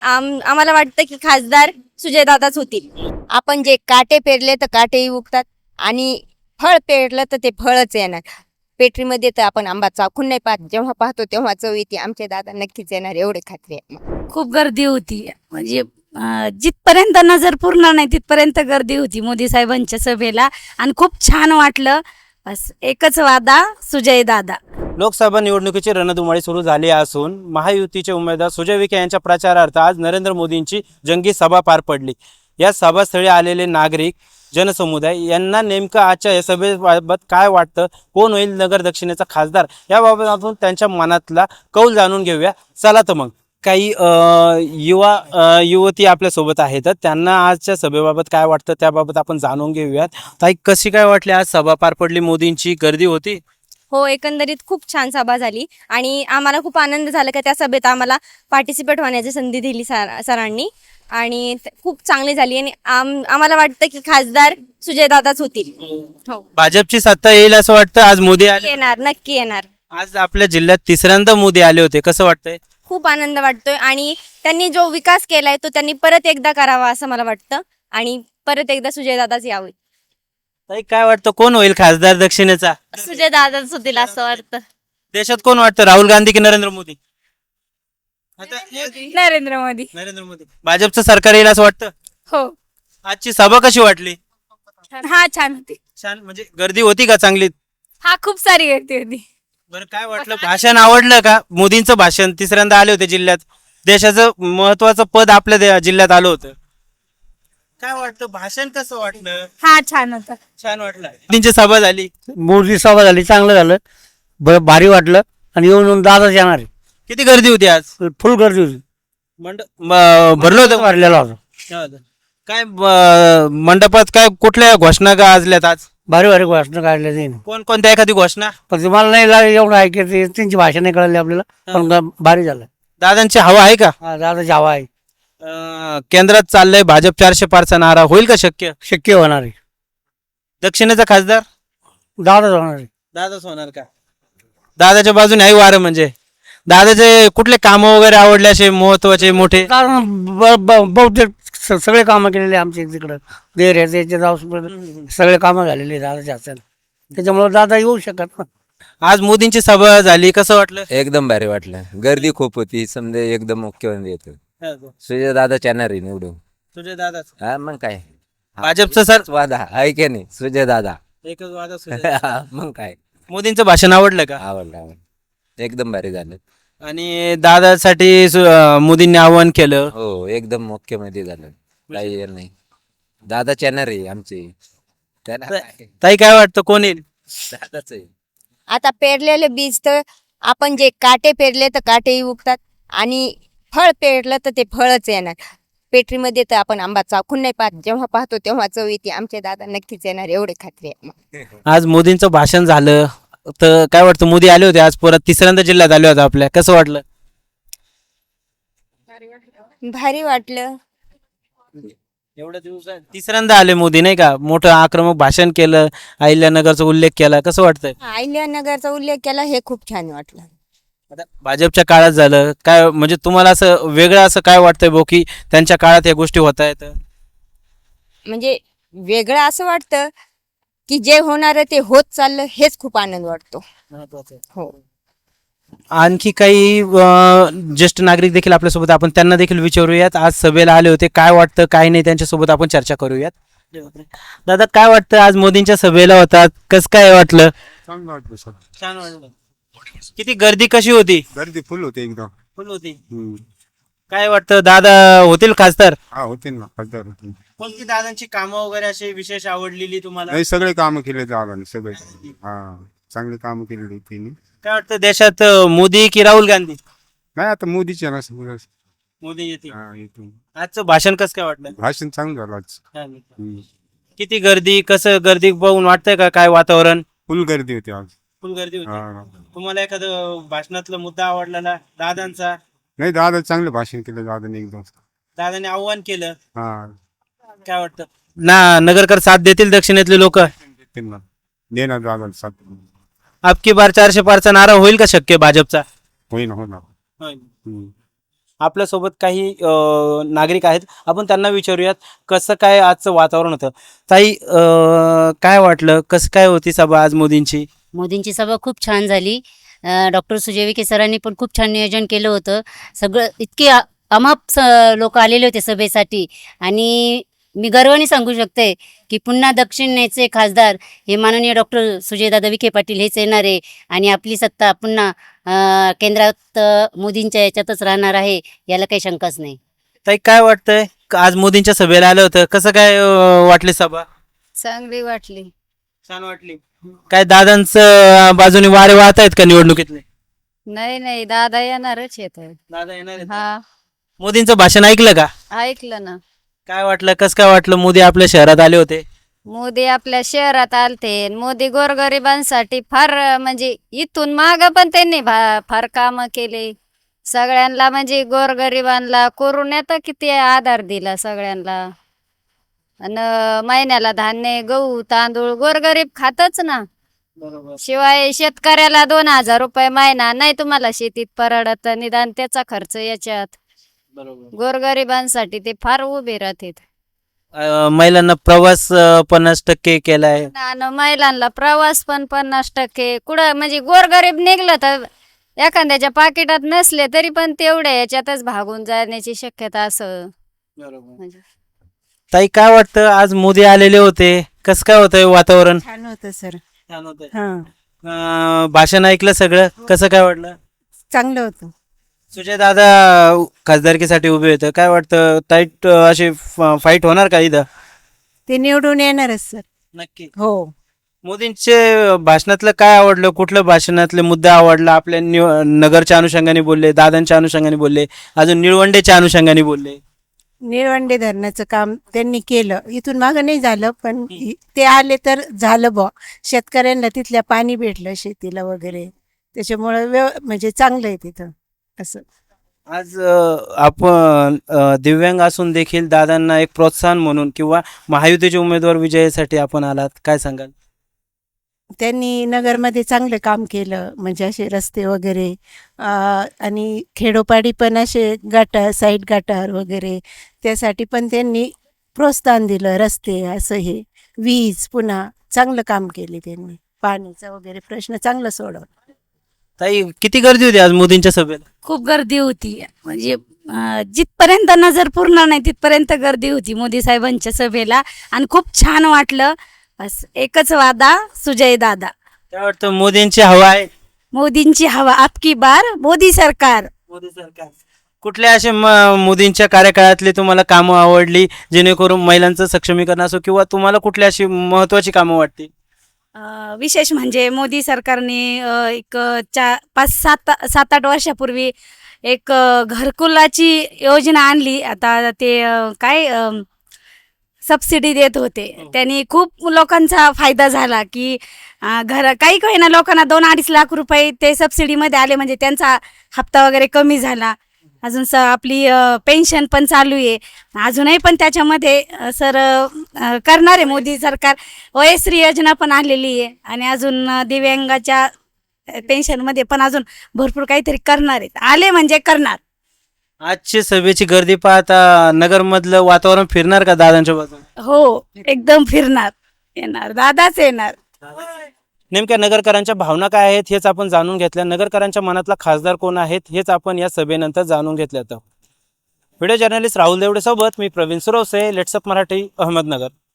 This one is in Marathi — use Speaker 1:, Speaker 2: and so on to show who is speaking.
Speaker 1: आम्हाला वाटतं की खासदार सुजयदादाच होतील. आपण जे काटे पेरले तर काटेही उगतात आणि फळ पेरलं तर ते फळच येणार. पेटरीमध्ये तर आपण आंबा चाखून नाही पाहत, जेव्हा पाहतो तेव्हा चव येते. आमचे दादा नक्कीच येणार एवढे खात्री आहे.
Speaker 2: खूप गर्दी होती. म्हणजे जिथपर्यंत नजर पूर्ण नाही तिथपर्यंत गर्दी होती मोदी साहेबांच्या सभेला आणि खूप छान वाटलं. बस एकच वादा, सुजय दादा.
Speaker 3: लोकसभा निवडणुकीची रणधुमाळी सुरू झाली असून महायुतीचे उमेदवार सुजय विखे यांच्या प्रचारार्थ आज नरेंद्र मोदींची जंगी सभा पार पडली. या सभास्थळी आलेले नागरिक जनसमुदाय यांना नेमकं आजच्या या सभेबाबत काय वाटतं, कोण होईल नगर दक्षिणेचा खासदार, याबाबत आपण त्यांच्या मनातला कौल जाणून घेऊया. चला तर मग काही युवती आपल्यासोबत आहेत, तर त्यांना आजच्या सभेबाबत काय वाटतं त्याबाबत आपण जाणून घेऊयात. ताई, कशी काय वाटली आज सभा पार पडली, मोदींची गर्दी होती?
Speaker 1: हो, एकंदरीत खूप छान सभा झाली आणि आम्हाला खूप आनंद झाला की त्या सभेत आम्हाला पार्टिसिपेट होण्याची संधी दिली सरांनी आणि खूप चांगली झाली आणि आम्हाला वाटतं की खासदार सुजयदादाच होतील. हो,
Speaker 3: भाजपची सत्ता येईल असं वाटतं. आज मोदी आले,
Speaker 1: येणार, नक्की येणार.
Speaker 3: आज आपल्या जिल्ह्यात तिसऱ्यांदा मोदी आले होते, कसं वाटतंय?
Speaker 1: खूप आनंद वाटतोय आणि त्यांनी जो विकास केलाय तो त्यांनी परत एकदा करावा असं मला वाटतं आणि परत एकदा सुजयदादाच यावे.
Speaker 3: ताई, काय वाटतं कोण होईल खासदार दक्षिणेचा?
Speaker 1: सुजयदादाच होतील असं वाटतं.
Speaker 3: देशात कोण वाटतं, राहुल गांधी की नरेंद्र मोदी? आता
Speaker 2: नरेंद्र मोदी.
Speaker 3: नरेंद्र मोदी. भाजपचं सरकार येईल असं वाटतं.
Speaker 2: हो,
Speaker 3: आजची सभा कशी वाटली?
Speaker 2: हा छान होती.
Speaker 3: छान, म्हणजे गर्दी होती का चांगली?
Speaker 2: हा खूप सारी गर्दी होती.
Speaker 3: बरं, काय वाटलं, भाषण आवडलं का? मोदींचं भाषण, तिसऱ्यांदा आले होते जिल्ह्यात, देशाचं महत्वाचं पद आपल्या जिल्ह्यात आलं होतं. काय वाटतं, भाषण कसं वाटलं?
Speaker 2: हा छान होता.
Speaker 3: छान वाटलं. मोदींची सभा झाली.
Speaker 4: मोदी सभा झाली, चांगलं झालं, भारी वाटलं. आणि येऊन दादाच येणार आहे.
Speaker 3: किती गर्दी होती आज?
Speaker 4: फुल गर्दी होती,
Speaker 3: भरलं होतं.
Speaker 4: भरलेला होता.
Speaker 3: काय मंडपात काय कुठल्या घोषणा गाजल्यात आज?
Speaker 4: भारी भारी घोषणा काढल्या जाईल.
Speaker 3: कोणत्या एखादी घोषणा?
Speaker 4: पण मला नाही एवढं ऐकायचं, त्यांची भाषा नाही कळली आपल्याला, पण भारी झालं.
Speaker 3: दादांची हवा आहे का?
Speaker 4: हा, दादाची हवा आहे.
Speaker 3: केंद्रात चाललंय भाजप 400 पारचा नारा, होईल का शक्य?
Speaker 4: शक्य होणार आहे.
Speaker 3: दक्षिणेचा खासदार
Speaker 4: दादाच होणार आहे.
Speaker 3: दादाच होणार का? दादाच्या बाजूने आहे वारं. म्हणजे दादाचे कुठले काम वगैरे आवडले असे महत्वाचे मोठे?
Speaker 4: कारण बहुतेक सगळे कामं केलेले आमच्या तिकडं देर याचे सगळे कामं झालेले दादाच्या हातात, त्याच्यामुळे दादा येऊ शकत ना.
Speaker 3: आज मोदींची सभा झाली, कसं वाटलं?
Speaker 5: एकदम भारी वाटलं. गर्दी खूप होती, समजा एकदम मुख्यमंत्री येतो सुजय दादा चॅनर निवडून.
Speaker 3: तुझे दादाच.
Speaker 5: हा मग काय,
Speaker 3: भाजपचं सर
Speaker 5: वादा आहे की नाही, सुजय दादा.
Speaker 3: एकच वादा.
Speaker 5: मग काय,
Speaker 3: मोदींचं भाषण आवडलं का?
Speaker 5: आवडलं, एकदम भारी झालं.
Speaker 3: आणि दादासाठी मोदींनी आवाहन केलं.
Speaker 5: हो, एकदम मुख्यमंत्री झालं, काही हे नाही. दादा चॅनर आहे आमचे, त्याला काय,
Speaker 3: ताई, काय वाटतं कोण येईल?
Speaker 5: दादाच आहे.
Speaker 1: आता पेरलेले बीज तर आपण जे काटे पेरले तर काटेही उगतात आणि फळ पेरलं तर ते फळच येणार. पेटरीमध्ये तर आपण आंबा चाखून नाही पाहत, जेव्हा पाहतो तेव्हा चव येते. आमचे दादा नक्कीच येणार एवढे खात्री आहे.
Speaker 3: आज मोदींचं भाषण झालं, तर काय वाटतं, मोदी आले होते आज परत तिसऱ्यांदा जिल्ह्यात आले होते आपल्या, कसं वाटलं?
Speaker 1: भारी वाटलं.
Speaker 3: एवढ्या दिवसात तिसऱ्यांदा आले मोदी, नाही का? मोठं आक्रमक भाषण केलं, अहिल्यानगरचा उल्लेख केला, कसं वाटतंय?
Speaker 1: अहिल्यानगरचा उल्लेख केला, हे खूप छान वाटलं.
Speaker 3: आता भाजपच्या काळात झालं काय, म्हणजे तुम्हाला असं वेगळं असं काय वाटतंय भाऊ की त्यांच्या काळात या गोष्टी होत आहेत?
Speaker 1: म्हणजे वेगळं असं वाटतं की जे होणार आहे ते होत चाललं, हेच खूप आनंद वाटतो. हो,
Speaker 3: आणखी काही ज्येष्ठ नागरिक देखील आपल्यासोबत, आपण त्यांना देखील विचारूयात. आज सभेला आले होते, काय वाटतं काय नाही त्यांच्यासोबत आपण चर्चा करूयात. दादा, काय वाटतं, आज मोदींच्या सभेला होतात, कसं काय वाटलं?
Speaker 6: चांगलं वाटलं सर.
Speaker 3: छान वाटलं. किती गर्दी कशी होती?
Speaker 6: गर्दी फुल होते एकदम.
Speaker 3: फुल होती. काय वाटतं, दादा होतील खासदार?
Speaker 6: हा, होते ना खासदार होते.
Speaker 3: कोणती दादांची कामं वगैरे अशी विशेष आवडलेली तुम्हाला?
Speaker 6: नाही, सगळे कामं केले दादाने, सगळे. हा, चांगली कामं केलेली त्यांनी.
Speaker 3: काय वाटतं, देशात मोदी की राहुल गांधी?
Speaker 6: नाही, आता मोदीचे ना सगळं.
Speaker 3: मोदी येतील.
Speaker 6: हा, इथून
Speaker 3: आजचं भाषण कसं काय वाटलं?
Speaker 6: भाषण चांगलं झालं आज.
Speaker 3: छान. किती गर्दी, कसं गर्दी बघून वाटतंय का काय वातावरण?
Speaker 6: फुल गर्दी होती आज.
Speaker 3: फुल गर्दी होती.
Speaker 6: हा.
Speaker 3: तुम्हाला एखादं भाषणातला मुद्दा आवडलेला दादांचा?
Speaker 6: नाही, दादा चांगलं भाषण केलं दादाने एकदम.
Speaker 3: दादाने आव्हान केलं,
Speaker 6: हा,
Speaker 3: काय वाटतं नगरकर साथ देतील दक्षिणेतले लोक?
Speaker 6: त्यांना देणार दादा साथ.
Speaker 3: अबकी बार 400 पारचा नारा होईल का शक्य भाजपचा?
Speaker 6: होईना होणार.
Speaker 3: आपल्यासोबत काही नागरिक आहेत, आपण त्यांना विचारूयात कसं काय आजचं वातावरण होतं. ताई, काय वाटलं, कसं काय होती सभा आज मोदींची?
Speaker 7: मोदींची सभा खूप छान झाली. डॉक्टर सुजय विखे सरांनी पण खूप छान नियोजन केलं होतं. सगळं इतके अमाप लोक आलेले होते सभेसाठी आणि मी गर्वाने सांगू शकते की पुन्हा दक्षिणेचे खासदार हे माननीय डॉक्टर सुजयदादा विखे पाटील हेच येणार आहे आणि आपली सत्ता पुन्हा केंद्रात मोदींच्या याच्यातच राहणार आहे, याला काही शंकाच नाही.
Speaker 3: ताई, काय वाटतंय? आज मोदींच्या सभेला आलं होतं, कसं काय वाटली सभा?
Speaker 1: चांगली वाटली.
Speaker 3: छान वाटली. काय दादांचं बाजूने वारे वाहत आहेत का निवडणुकीतले?
Speaker 1: नाही दादा येणारच येत.
Speaker 3: दादा येणार आहेत?
Speaker 1: हा,
Speaker 3: मोदींचं भाषण ऐकलं का?
Speaker 1: ऐकलं ना.
Speaker 3: काय वाटलं, कसं काय वाटलं? मोदी आपल्या शहरात आले होते.
Speaker 1: मोदी आपल्या शहरात आलते. मोदी गोरगरिबांसाठी फार म्हणजे इथून माग पण त्यांनी फार काम केले सगळ्यांना. म्हणजे गोरगरिबांना कोरोनात किती आधार दिला सगळ्यांना. आणि महिन्याला धान्य, गहू, तांदूळ गोरगरीब खातच ना.
Speaker 3: बरोबर.
Speaker 1: शिवाय शेतकऱ्याला 2,000 रुपये महिना नाही तुम्हाला शेतीत परवडत, निदान त्याचा खर्च याच्यात.
Speaker 3: बरोबर.
Speaker 1: गोरगरिबांसाठी ते फार उभे राहतात.
Speaker 3: महिलांना प्रवास 50% केलाय.
Speaker 1: आणि महिलांना प्रवास पण 50%. कुठं म्हणजे गोरगरीब निघलं तर एखाद्याच्या पाकिटात नसले तरी पण तेवढ्या याच्यातच भागून जाण्याची शक्यता असं. म्हणजे
Speaker 3: ताई, काय वाटतं, आज मोदी आलेले होते, कसं काय होतंय वातावरण?
Speaker 8: छान होतं सर.
Speaker 3: छान होतंय.
Speaker 8: हा,
Speaker 3: भाषण ऐकलं सगळं, कसं काय वाटलं?
Speaker 8: चांगलं होतं.
Speaker 3: सुजय दादा खासदारकीसाठी उभे होते, काय वाटतं? टाईट अशी फाईट होणार का इथं?
Speaker 8: ते निवडून येणारच सर.
Speaker 3: नक्की.
Speaker 8: हो,
Speaker 3: मोदींचे भाषणातलं काय आवडलं? कुठलं भाषणातले मुद्दा आवडला? आपल्या नगरच्या अनुषंगाने बोलले, दादांच्या अनुषंगाने बोलले, अजून निळवंडेच्या अनुषंगाने बोलले.
Speaker 8: निळवंडे धरणाचं काम त्यांनी केलं. इथून मागं नाही झालं पण ते आले तर झालं बुवा. शेतकऱ्यांना तिथल्या पाणी भेटलं शेतीला वगैरे, त्याच्यामुळे म्हणजे चांगलं आहे तिथं असं.
Speaker 3: आज आपण दिव्यांग असून देखील दादांना एक प्रोत्साहन म्हणून किंवा महायुतीचे उमेदवार विजयासाठी आपण आलात, काय सांगाल?
Speaker 8: त्यांनी नगरमध्ये चांगलं काम केलं. म्हणजे असे रस्ते वगैरे आणि खेडोपाडी पण असे गटार, साईड गटार वगैरे त्यासाठी पण त्यांनी प्रोत्साहन दिलं. रस्ते असं हे वीज पुन्हा चांगलं काम केले त्यांनी. पाण्याचा वगैरे प्रश्न चांगला सोडवला.
Speaker 3: ताई, किती गर्दी होती आज मोदींच्या सभेला?
Speaker 2: खूप गर्दी होती. म्हणजे जिथपर्यंत नजर पूर्ण नाही तिथपर्यंत गर्दी होती मोदी साहेबांच्या सभेला आणि खूप छान वाटलं. बस एकच वादा, सुजय दादा.
Speaker 3: काय वाटतं, मोदींची हवा आहे?
Speaker 2: मोदींची हवा, आपकी बार मोदी सरकार.
Speaker 3: मोदी सरकार. कुठल्या असे मोदींच्या कार्यकाळातली तुम्हाला कामं आवडली, जेणेकरून महिलांचं सक्षमीकरण असो, किंवा तुम्हाला कुठली अशी महत्वाची कामं वाटली?
Speaker 2: विशेष म्हणजे मोदी सरकारने एक 5-7 वर्षापूर्वी एक घरकुलाची योजना आणली. आता ते काय सबसिडी देत होते, त्यांनी खूप लोकांचा फायदा झाला की काही काही ना लोकांना 2-2.5 लाख रुपये ते सबसिडीमध्ये आले. म्हणजे त्यांचा हप्ता वगैरे कमी झाला. अजून आपली पेन्शन पण चालू आहे अजूनही, पण त्याच्यामध्ये सर करणार आहे मोदी सरकार. वयश्री योजना पण आलेली आहे आणि अजून दिव्यांगाच्या पेन्शनमध्ये पण अजून भरपूर काहीतरी करणार आहेत. आले म्हणजे करणार.
Speaker 3: आजची सभेची गर्दी पाहता नगरमधलं वातावरण फिरणार का दादांच्या बाजूने?
Speaker 2: हो, एकदम फिरणार. येणार दादाच येणार.
Speaker 3: नेमक्या नगरकरांच्या भावना काय आहेत हेच आपण जाणून घेतल्या. नगरकरांच्या मनातला खासदार कोण आहेत हेच आपण या सभेनंतर जाणून घेतलं. व्हिडिओ जर्नलिस्ट राहुल देवडे सोबत मी प्रवीण सुरवसे, लेट्सअप मराठी, अहमदनगर.